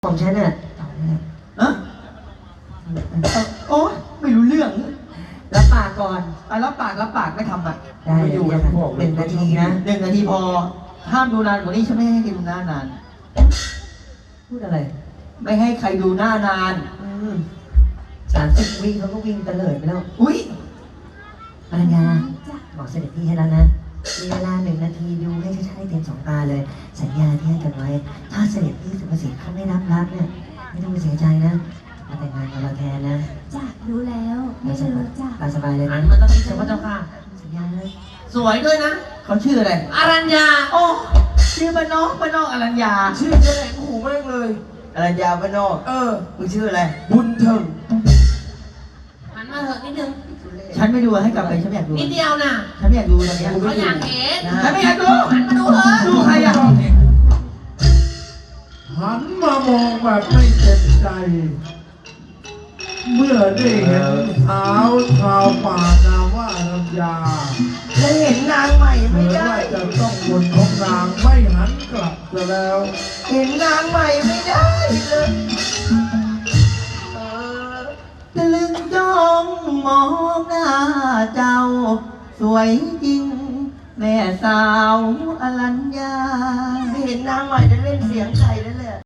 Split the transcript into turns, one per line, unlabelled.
ของฉันน่ะ
อะโอ้ไม่รู้เรื่อง
รับปากก่อน
รับปากไม่ทำอ่ะ
ได้
ไม่อยู่
เลย
พวก
1 นาทีนะ
1 นาทีพอ ห้ามดูนานกว่านี้ฉันไม่ให้ใครดูหน้านาน
พูดอะไร
ไม่ให้ใครดูหน้านาน
30 วิเขาก็วิ่งเตลิดไปแล้ว
อุ้ย
อรัญญาบอกเสด็จพี่ให้แล้วนะ มีเวลา1 นาทีดูให้ชัดๆให้เต็ม2 ตาเลย สัญญาที่ให้กันไว้ ถ้าเสด็จพี่สุภสิทธิ์เขาไม่รับเนี่ย ไม่ต้องไปเสียใจนะ มาแต่งงานกับเราแทนนะ
จ้ะรู้แล้วไม่ลืมจ้ะ
ตามสบายเลย
หั
นะ
นมาต้องเจ้าพระเจ้าค่ะ
สัญญาเลย
สวยด้วยนะ
เขาชื่ออะไร
อรัญญา
โอ้ชื่อบ้านนอกอรัญญา
ชื่อจะไหนขู่มากเลย
อรัญญาบ้านนอกมึงชื่ออะไร
บุญเถิงหันมาเถอะนิดนึง
ฉันไม่ดูให้กลับไปฉันไม่อยากดู
นิดเดียวน่ะ
ฉันไม่อยากดูตอนเนี้ย
เขาอยากเห็น
ฉันไม่อยากดู
หันมาดูเถอะ
ดูใครอ่ะ
หันมามองแบบไม่เต็มใจ เมื่อได้เห็นสาวชาวป่านามว่าอรัญญา
ฉันเห็นนางใหม่
เหมื
ไม่
อน
ได้
ว่าจะต้องบนของนางไม่หันกลับซะแล้ว
เห็นนางใหม่ไม่ได้เลยตะลึงจ้องมองหน้าเจ้า สวยจริง แม่สาวอรัญญาเห็นนางใหม่ได้เล่นเสียงไข่ได้